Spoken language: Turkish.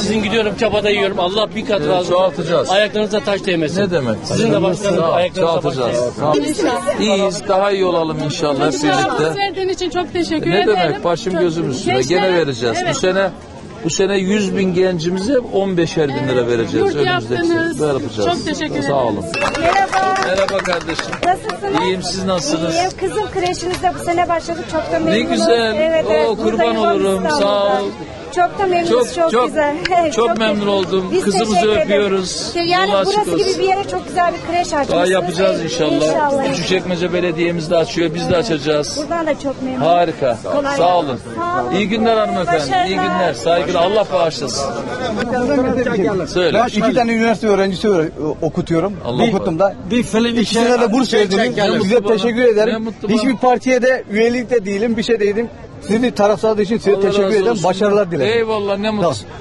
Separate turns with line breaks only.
Sizin gidiyorum çabada yiyorum. Allah bir kat razı olsun.
Çoğaltacağız.
Ayaklarınıza taş değmesin.
Ne demek?
Sizin de başkanım ayaklarınıza taş
Çoğaltacağız.
değmesin.
İyiyiz. Daha iyi olalım inşallah hep birlikte.
Verdiğin için çok teşekkür
Ne
ederim.
demek? Başım gözüm üstüne.
Gençlere-
Gene vereceğiz.
Evet.
Bu sene 100 bin gencimize 15'er bin lira vereceğiz.
Yurt
Önümüzdeki
yaptınız.
sene. Böyle yapacağız.
Çok teşekkür ederim.
Sağ olun.
Merhaba.
Merhaba kardeşim.
Nasılsınız?
İyiyim, siz nasılsınız?
İyiyim. Kızım kreşinizde bu sene başladık. Çok da memnunum.
Ne güzel.
Evet,
Oo, kurban
buradayım,
olurum.
İstanbul'da.
Sağ ol.
Çok da memnunuz. Çok güzel.
Çok memnun oldum.
Biz
Kızımızı
teşekkür ederiz.
öpüyoruz.
Yani
Yolu açık
burası
olsun.
gibi bir yere çok güzel bir kreş açmışsınız.
Daha yapacağız inşallah.
İnşallah.
Küçükçekmece Belediye'miz de açıyor. Biz de açacağız.
Buradan da çok memnunum.
Harika.
Kolay
Sağ olun.
gelsin. Sağ olun.
İyi günler hanımefendi.
Başarılar.
İyi günler. Saygılar. Allah bağışlasın. Söyle.
Ben 2 tane üniversite öğrencisi okutuyorum.
Allah
Okuttum da.
Bir film
İkisine de burs verdiniz.
Ne
Size
mutlu bana.
teşekkür
Ne
ederim.
mutlu bana.
Hiçbir partiye de üyelik de değilim, bir şey değilim. Sizi tarafsızlığı için size
Allah
teşekkür
razı
ederim.
olsun.
Başarılar dilerim.
Eyvallah, ne mutlu.